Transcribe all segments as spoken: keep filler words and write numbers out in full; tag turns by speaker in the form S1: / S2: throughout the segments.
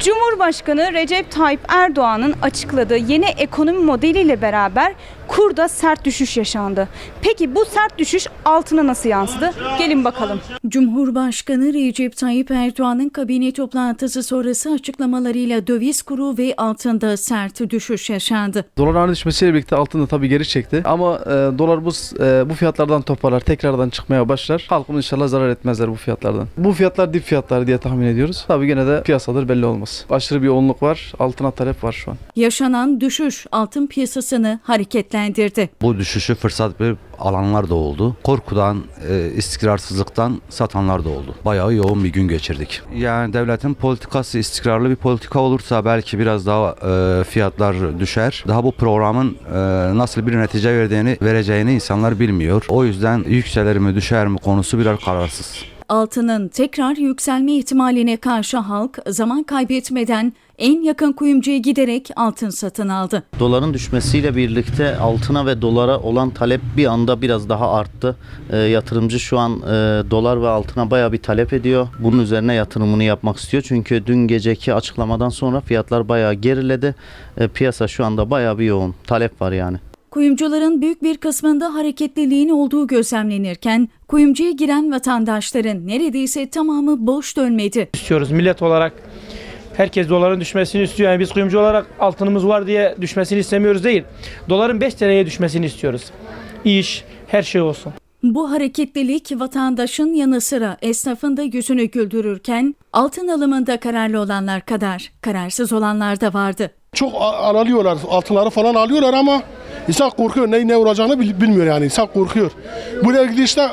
S1: Cumhurbaşkanı Recep Tayyip Erdoğan'ın açıkladığı yeni ekonomi modeliyle beraber kurda sert düşüş yaşandı. Peki bu sert düşüş altına nasıl yansıdı? Gelin bakalım.
S2: Cumhurbaşkanı Recep Tayyip Erdoğan'ın kabine toplantısı sonrası açıklamalarıyla döviz kuru ve altında sert düşüş yaşandı.
S3: Doların düşmesiyle birlikte altın da tabii geri çekti. Ama e, dolar bu e, bu fiyatlardan toparlar, tekrardan çıkmaya başlar. Halkımız inşallah zarar etmezler bu fiyatlardan. Bu fiyatlar dip fiyatlar diye tahmin ediyoruz. Tabii gene de piyasadır belli olmaz. Aşırı bir yoğunluk var, altına talep var şu an.
S2: Yaşanan düşüş altın piyasasını hareketlendirdi.
S4: Bu düşüşü fırsat verip alanlar da oldu. Korkudan, e, istikrarsızlıktan satanlar da oldu. Bayağı yoğun bir gün geçirdik. Yani devletin politikası istikrarlı bir politika olursa belki biraz daha e, fiyatlar düşer. Daha bu programın e, nasıl bir netice verdiğini vereceğini insanlar bilmiyor. O yüzden yükselir mi düşer mi konusu biraz kararsız.
S2: Altının tekrar yükselme ihtimaline karşı halk zaman kaybetmeden en yakın kuyumcuya giderek altın satın aldı.
S5: Doların düşmesiyle birlikte altına ve dolara olan talep bir anda biraz daha arttı. E, yatırımcı şu an e, dolar ve altına bayağı bir talep ediyor. Bunun üzerine yatırımını yapmak istiyor. Çünkü dün geceki açıklamadan sonra fiyatlar bayağı geriledi. E, piyasa şu anda bayağı bir yoğun. Talep var yani.
S2: Kuyumcuların büyük bir kısmında hareketliliğin olduğu gözlemlenirken kuyumcuya giren vatandaşların neredeyse tamamı boş dönmedi.
S6: İstiyoruz millet olarak. Herkes doların düşmesini istiyor. Yani biz kuyumcu olarak altınımız var diye düşmesini istemiyoruz değil. Doların beş T L'ye düşmesini istiyoruz. İş, her şey olsun.
S2: Bu hareketlilik vatandaşın yanı sıra esnafın da yüzünü güldürürken altın alımında kararlı olanlar kadar kararsız olanlar da vardı.
S7: Çok alıyorlar, altınları falan alıyorlar ama insan korkuyor. Ne ne olacağını bilmiyor yani. İnsan korkuyor. Buraya ilgili işte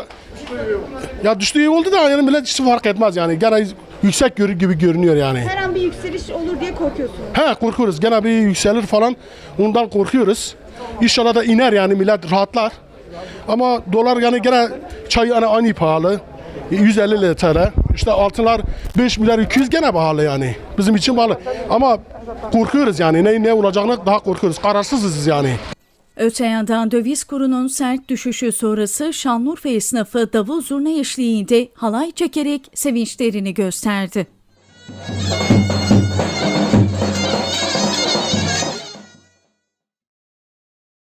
S7: ya düştüğü oldu da yani millet hiç fark etmez yani. Gene yüksek görü gibi görünüyor yani.
S1: Her an bir yükseliş olur diye korkuyorsunuz.
S7: He korkuyoruz. Gene bir yükselir falan. Ondan korkuyoruz. İnşallah da iner yani millet rahatlar. Ama dolar yani gene çay yani aynı pahalı. yüz elli T L. İşte altınlar beş milyar iki yüz gene pahalı yani. Bizim için pahalı. Ama korkuyoruz yani. Ne ne olacağını daha korkuyoruz. Kararsızız yani.
S2: Öte yandan döviz kurunun sert düşüşü sonrası Şanlıurfa esnafı davul zurna eşliğinde halay çekerek sevinçlerini gösterdi.